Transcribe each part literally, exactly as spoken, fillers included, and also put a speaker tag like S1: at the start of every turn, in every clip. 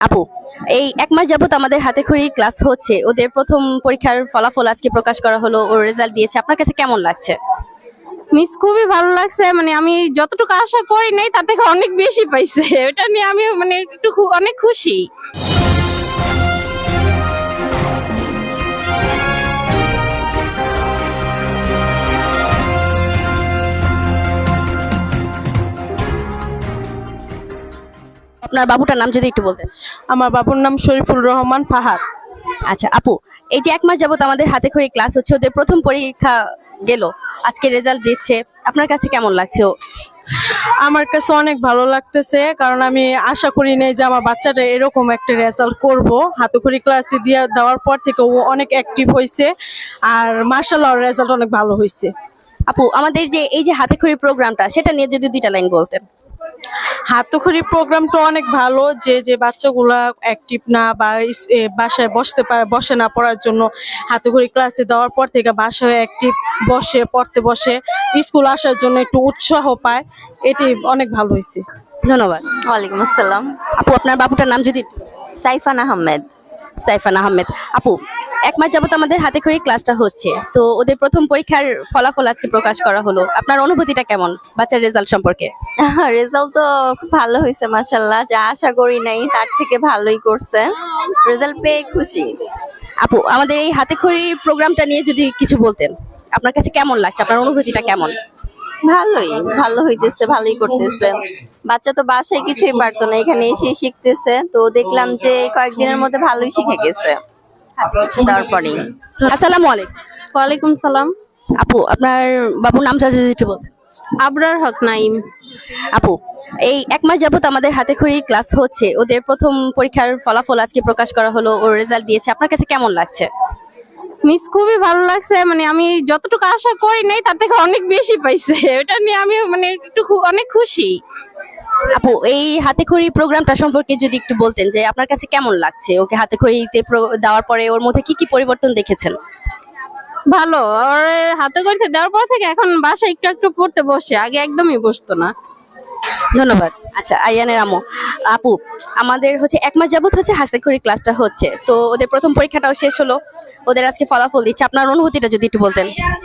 S1: আপু, এই এক মাস যাবত আমাদের হাতেখড়ি ক্লাস হচ্ছে, ওদের প্রথম পরীক্ষার ফলাফল আজকে প্রকাশ করা হলো, ওর রেজাল্ট দিয়েছে, আপনার কাছে কেমন লাগছে?
S2: মিস খুবই ভালো লাগছে। মানে আমি যতটুকু আশা করি নাই তার থেকে অনেক বেশি পাইছে। এটা নিয়ে আমি মানে একটু খু- অনেক খুশি।
S1: আপনার বাবুটার নাম যদি একটু বলতেন।
S3: আমার বাবুর নাম শরীফুল রহমান ফাহাদ।
S1: আচ্ছা আপু, এই যে এক মাস যাবত আমাদের হাতেখড়ি ক্লাস হচ্ছে, ওদের প্রথম পরীক্ষা গেল, আজকে রেজাল্ট দিচ্ছে, আপনার কাছে কেমন লাগছে? ও
S3: আমার কাছে অনেক ভালো লাগতেছে, কারণ আমি আশা করি নাই যে আমার বাচ্চাটা এরকম একটা রেজাল্ট করব। হাতেখড়ি ক্লাসে দিয়ে দেওয়ার পর থেকে ও অনেক অ্যাক্টিভ হয়েছে, আর মার্শাল্লাহ রেজাল্ট অনেক ভালো হয়েছে।
S1: আপু, আমাদের যে এই যে হাতেখড়ি প্রোগ্রামটা, সেটা নিয়ে যদি দুইটা লাইন বলতেন।
S3: হাতেখড়ি প্রোগ্রামটা অনেক ভালো, যে যে বাচ্চাগুলা অ্যাক্টিভ না বা ইস- এ, বাসায় বসতে পারে, বসে না পড়ার জন্য হাতেখড়ি ক্লাসে দেওয়ার পর থেকে বাসায় অ্যাক্টিভ বসে পড়তে বসে, স্কুল আসার জন্য একটু উৎসাহ পায়, এটি অনেক ভালো হয়েছে।
S1: ধন্যবাদ।
S4: ওয়ালাইকুম আসসালাম।
S1: আপু, আপনার বাবুটার নাম যদি একটু-
S4: সাইফান আহমেদ।
S1: সাইফান আহমেদ। আপু, এক মাস যাবত আমাদের হাতেখড়ি ক্লাসটা হচ্ছে, তো ওদের প্রথম পরীক্ষার ফলাফল আজকে প্রকাশ করা হলো, আপনার অনুভূতিটা কেমন বাচ্চার রেজাল্ট সম্পর্কে?
S4: রেজাল্ট তো খুব ভালো হয়েছে মাশাল্লাহ, যা আশা করি নাই তার থেকে ভালোই করছে। রেজাল্ট পেয়ে খুশি।
S1: আপু, আমাদের এই হাতেখড়ি প্রোগ্রামটা নিয়ে যদি কিছু বলতেন, আপনার কাছে কেমন লাগছে, আপনার অনুভূতিটা কেমন?
S4: ভালোই ভালো হইতেছে, ভালোই করতেছে। বাচ্চা তো বাসায় কিছুই পারতো না, এখানে এসে শিখতেছে, তো দেখলাম যে কয়েকদিনের মধ্যে ভালোই শিখে গেছে। তারপরেই
S1: আসসালামু আলাইকুম।
S2: ওয়ালাইকুম সালাম।
S1: আপু, আপনার বাবুর নামটা যদি একটু বলতেন।
S2: আবরার হক নাইম।
S1: আপু, এই এক মাস যাবত আমাদের হাতেখড়ি ক্লাস হচ্ছে, ওদের প্রথম পরীক্ষার ফলাফল আজকে প্রকাশ করা হলো, ওর রেজাল্ট দিয়েছে, আপনার কাছে কেমন লাগছে?
S2: মিস খুবই ভালো লাগছে। মানে আমি যতটুকু আশা করি নাই তার থেকে অনেক বেশি পাইছে। এটা নিয়ে আমি মানে একটু খু- অনেক খুশি।
S1: আপু, এই হাতেখড়ি প্রোগ্রামটা সম্পর্কে যদি একটু বলতেন, যে আপনার কাছে কেমন লাগছে, ওকে হাতেখড়িতে প্র- দেওয়ার পরে ওর মধ্যে কি কি পরিবর্তন দেখেছেন?
S2: ভালো। ওর হাতে করতে দেওয়ার পর থেকে এখন বাসায় একটু একটু পড়তে বসে, আগে একদমই বসতো না।
S1: ধন্যবাদ। আচ্ছা, আরিয়ানের আম্মু। আপু, আমাদের হচ্ছে এক মাস যাবত হচ্ছে হাতেখড়ি ক্লাসটা হচ্ছে, তো ওদের প্রথম পরীক্ষাটাও শেষ হলো, ওদের আজকে ফলাফল দিচ্ছে, আপনার অনুভূতিটা যদি একটু বলতেন।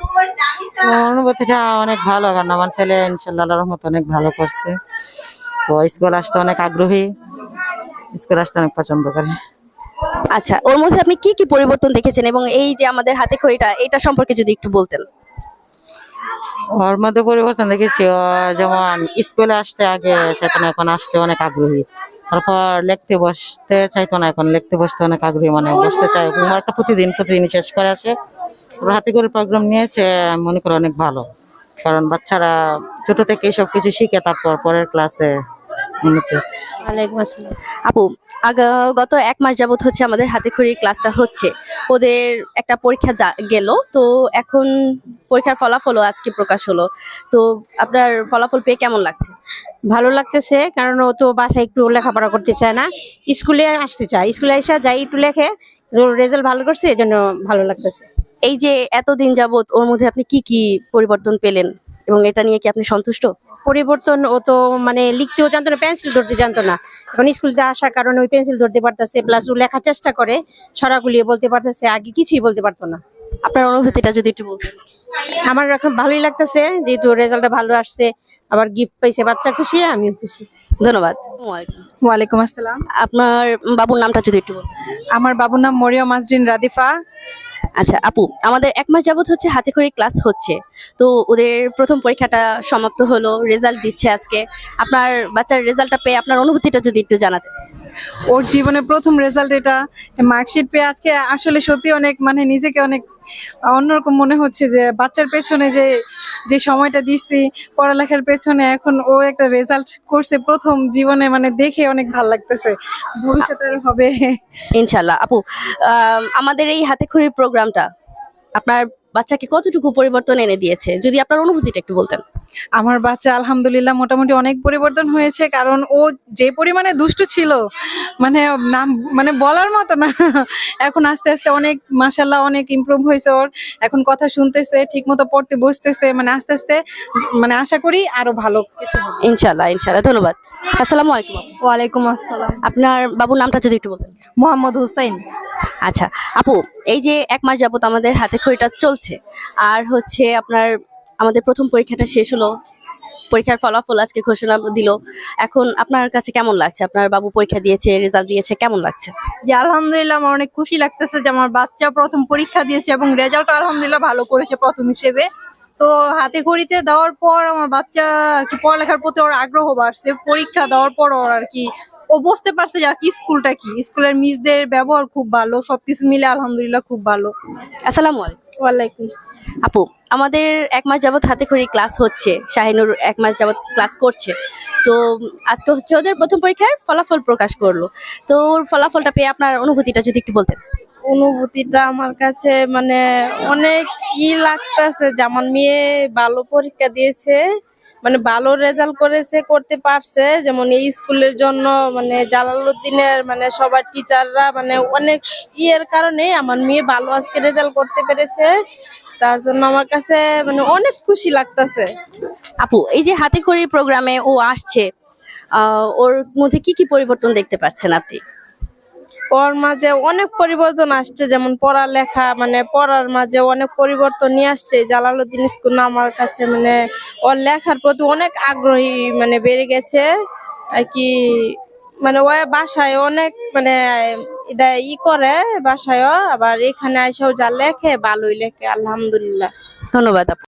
S5: অনুভূতিটা অনেক ভালো, কারণ আমার ছেলে ইনশাল্লাহ আল্লাহর রহমতে অনেক ভালো করছে। তো স্কুল আসতে অনেক আগ্রহী, স্কুল আসতে অনেক পছন্দ করে।
S1: আচ্ছা, ওর মধ্যে আপনি কি কি পরিবর্তন দেখেছেন, এবং এই যে আমাদের হাতেখড়িটা, এটা সম্পর্কে যদি একটু বলতেন।
S5: ওর মধ্যে পরিবর্তন দেখেছি, ও যেমন স্কুলে আসতে আগে চাইতো না, এখন আসতে অনেক আগ্রহী। তারপর লিখতে বসতে চাইতো না, এখন লিখতে বসতে অনেক আগ্রহী, মানে বসতে চায়। হোমওয়ার্কটা প্রতিদিন প্রতিদিন শেষ করে আসে। ওর হাতে করে প্রোগ্রাম নিয়েছে, আমি মনে করি অনেক ভালো, কারণ বাচ্চারা ছোট থেকে সব কিছু শিখে তারপর পরের ক্লাসে উন্নতি হচ্ছে।
S2: ওয়ালাইকুম আসসালাম।
S1: আপু, আগা- গত এক মাস যাবত হচ্ছে আমাদের হাতেখড়ি ক্লাসটা হচ্ছে, ওদের একটা পরীক্ষা যা- গেল, তো এখন পরীক্ষার ফলাফলও আজকে প্রকাশ হলো, তো আপনার ফলাফল পেয়ে কেমন লাগছে?
S6: ভালো লাগতেছে, কারণ ও তো বাসায় একটু লেখাপড়া করতে চায় না, স্কুলে আসতে চায়। স্কুলে এসে যাই একটু লেখে, রেজাল্ট ভালো করছে, এই জন্য ভালো লাগতেছে।
S1: এই যে এতদিন যাবত ওর মধ্যে আপনি কি কি পরিবর্তন পেলেন, এবং এটা নিয়ে কি আপনি সন্তুষ্ট?
S6: পরিবর্তন, ও তো মানে লিখতেও জানতো না, পেন্সিল ধরতে জানতো না, এখন স্কুলতে আসার কারণে ওই পেন্সিল ধরতে পারতেছে, প্লাস ও লেখার চেষ্টা করে, ছড়াগুলিয়ে বলতে পারতেছে, আগে কিছুই বলতে পারতো না।
S1: আপনার অনুভূতিটা যদি একটু বলতেন।
S6: আমার এখন ভালোই লাগতেছে, যেহেতু রেজাল্টটা ভালো আসছে, আবার গিফট পাইছে, বাচ্চা খুশি, আমিও খুশি।
S1: ধন্যবাদ।
S7: ওয়ালাইকুম আসসালাম।
S1: আপনার বাবুর নামটা যদি একটু বলতেন।
S7: আমার বাবুর নাম মরিয়ম মাজরিন রাদিফা।
S1: আচ্ছা আপু, আমাদের এক মাস যাবত হচ্ছে হাতেখড়ি ক্লাস হচ্ছে, তো ওদের প্রথম পরীক্ষাটা সমাপ্ত হলো, রেজাল্ট দিচ্ছে আজকে, আপনার বাচ্চার রেজাল্টটা পেয়ে আপনার অনুভূতিটা যদি একটু জানাতেন।
S7: ওর জীবনের প্রথম রেজাল্ট এটা, মার্কশিট পেয়ে আজকে আসলে সত্যি অনেক মানে নিজেকে অনেক অন্যরকম মনে হচ্ছে, যে বাচ্চার পেছনে যে যে সময়টা দিচ্ছি পড়ালেখার পেছনে, এখন ও একটা রেজাল্ট করছে প্রথম জীবনে, মানে দেখে অনেক ভালো লাগতেছে, ভবিষ্যতে আরো হবে।
S1: ইনশাল্লাহ। আপু, আম, আমাদের এই হাতেখড়ির প্রোগ্রামটা আপনার বাচ্চাকে কতটুকু পরিবর্তন এনে দিয়েছে, যদি আপনার অনুভূতিটা একটু বলতেন।
S7: আমার বাচ্চা আলহামদুলিল্লাহ মোটামুটি অনেক পরিবর্তন হয়েছে, কারণ ও যে পরিমাণে দুষ্টু ছিল মানে নাম মানে বলার মতো না। এখন আস্তে আস্তে অনেক মাশাল্লাহ অনেক ইমপ্রুভ হয়েছে ওর। এখন কথা শুনতেছে, ঠিক মতো পড়তে বসতেছে, মানে আস্তে আস্তে মানে আশা করি আরো ভালো কিছু হবে।
S1: ইনশাল্লাহ ইনশাল্লাহ, ধন্যবাদ। আসসালামু আলাইকুম।
S4: ওয়ালাইকুম আসসালাম।
S1: আপনার বাবুর নামটা যদি একটু বলতেন।
S4: মোহাম্মদ হুসাইন।
S1: আচ্ছা আপু, এই যে এক মাস যাবত আমাদের হাতে খড়িটা চলছে, আর হচ্ছে আপনার আমাদের প্রথম পরীক্ষাটা শেষ হলো, পরীক্ষার ফলাফল আজকে ঘোষণা দিল। এখন আপনার কাছে কেমন লাগছে? আপনার বাবু পরীক্ষা দিয়েছে, রেজাল্ট দিয়েছে, কেমন লাগছে?
S4: যে আলহামদুলিল্লাহ আমার অনেক খুশি লাগতেছে যে আমার বাচ্চা প্রথম পরীক্ষা দিয়েছে এবং রেজাল্ট আলহামদুলিল্লাহ ভালো করেছে প্রথম হিসেবে। তো হাতে খড়িতে দেওয়ার পর আমার বাচ্চা আর কি পড়ালেখার প্রতি ওর আগ্রহ বাড়ছে। পরীক্ষা দেওয়ার পর ওর আর কি ও বুঝতে পারছে যে আর কি স্কুলটা কি, স্কুলের মিসদের ব্যবহার খুব ভালো, সবকিছু মিলে আলহামদুলিল্লাহ খুব ভালো।
S1: আসসালামু আলাইকুম।
S6: ওয়ালাইকুম
S1: আপু, আমাদের এক মাস যাবত হাতে খড়ি ক্লাস হচ্ছে, শাহিনুর এক মাস যাবত ক্লাস করছে। তো আজকে হচ্ছে ওদের প্রথম পরীক্ষার ফলাফল প্রকাশ করলো। তো ওর ফলাফলটা পেয়ে আপনার অনুভূতিটা যদি একটু বলতেন।
S2: অনুভূতিটা আমার কাছে মানে অনেক ই লাগতেছে যে আমার মেয়ে ভালো পরীক্ষা দিয়েছে, মানে ভালো রেজাল্ট করেছে, করতে পারছে। যেমন এই স্কুলের জন্য মানে জালালউদ্দিনের মানে সবার টিচাররা মানে অনেক ইয়ের কারণে আমার মেয়ে ভালো আজকে রেজাল্ট করতে পেরেছে। তার জন্য আমার কাছে মানে অনেক খুশি লাগতেছে।
S1: আপু, এই যে হাতে খড়ি প্রোগ্রামে ও আসছে, আহ, ওর মধ্যে কি কি পরিবর্তন দেখতে পাচ্ছেন আপনি?
S2: ওর মাঝে অনেক পরিবর্তন আসছে, যেমন পড়ালেখা মানে পড়ার মাঝে অনেক পরিবর্তন নিয়ে আসছে। জালালউদ্দিন স্কুল আমার কাছে মানে ওর লেখার প্রতি অনেক আগ্রহী মানে বেড়ে গেছে আর কি। মানে ও বাসায় অনেক মানে এটা ই করে বাসায়ও, আবার এখানে আইসাও যা লেখে ভালোই লেখে আলহামদুলিল্লাহ।
S1: ধন্যবাদ আপু।